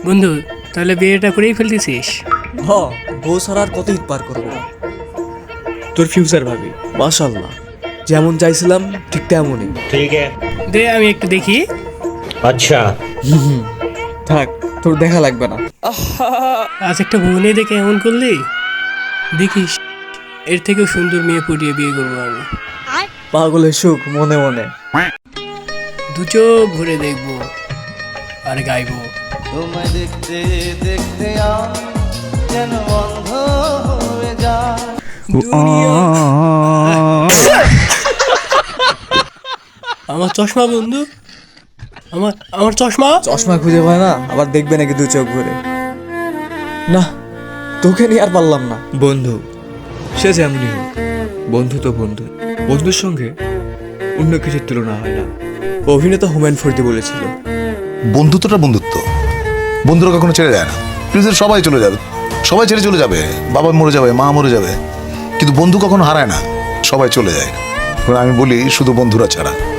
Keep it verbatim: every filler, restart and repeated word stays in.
বন্ধু তাহলে বিয়েটা করেই ফেলতেছিস? হ, বউ ছাড়া আর কত ঈদ পার করবো। তোর ফিউচার ভাবি। মাশাল্লাহ, যেমন চাইছিলাম ঠিক তেমনই। ठीक है। দে আমি একটু দেখি। अच्छा। থাক, তোর দেখা লাগবে না। আজ একটা বোনে দেখে এমন করলি, দেখিস এর থেকেও সুন্দর মেয়ে পটিয়ে বিয়ে করবো আমি। পাগলের সুখ মনে মনে। দু চোখ ভরে দেখবো আর গাইবো। তোমায় দেখতে দেখতে আমি যেন অন্ধ হয়ে যায়। আমার চশমা বন্ধু, আমার আমার চশমা। চশমা খুঁজে পায় না, আবার দেখবে নাকি দু চোখ ভরে? না, তোকে নিয়ে আর পারলাম না। বন্ধু সে যেমনই হোক, বন্ধু তো বন্ধু। বন্ধুর সঙ্গে অন্য কিছুর তুলনা হয় না। অভিনেতা হুমায়ুন ফরিদি বলেছিল, বন্ধুত্বটা বন্ধুত্ব, বন্ধুরা কখনো ছেড়ে যায় না। পৃথিবীর সবাই চলে যাবে, সবাই ছেড়ে চলে যাবে, বাবা মরে যাবে, মা মরে যাবে, কিন্তু বন্ধু কখনো হারায় না, সবাই চলে যায়। আমি বলি শুধু বন্ধুরা ছাড়া।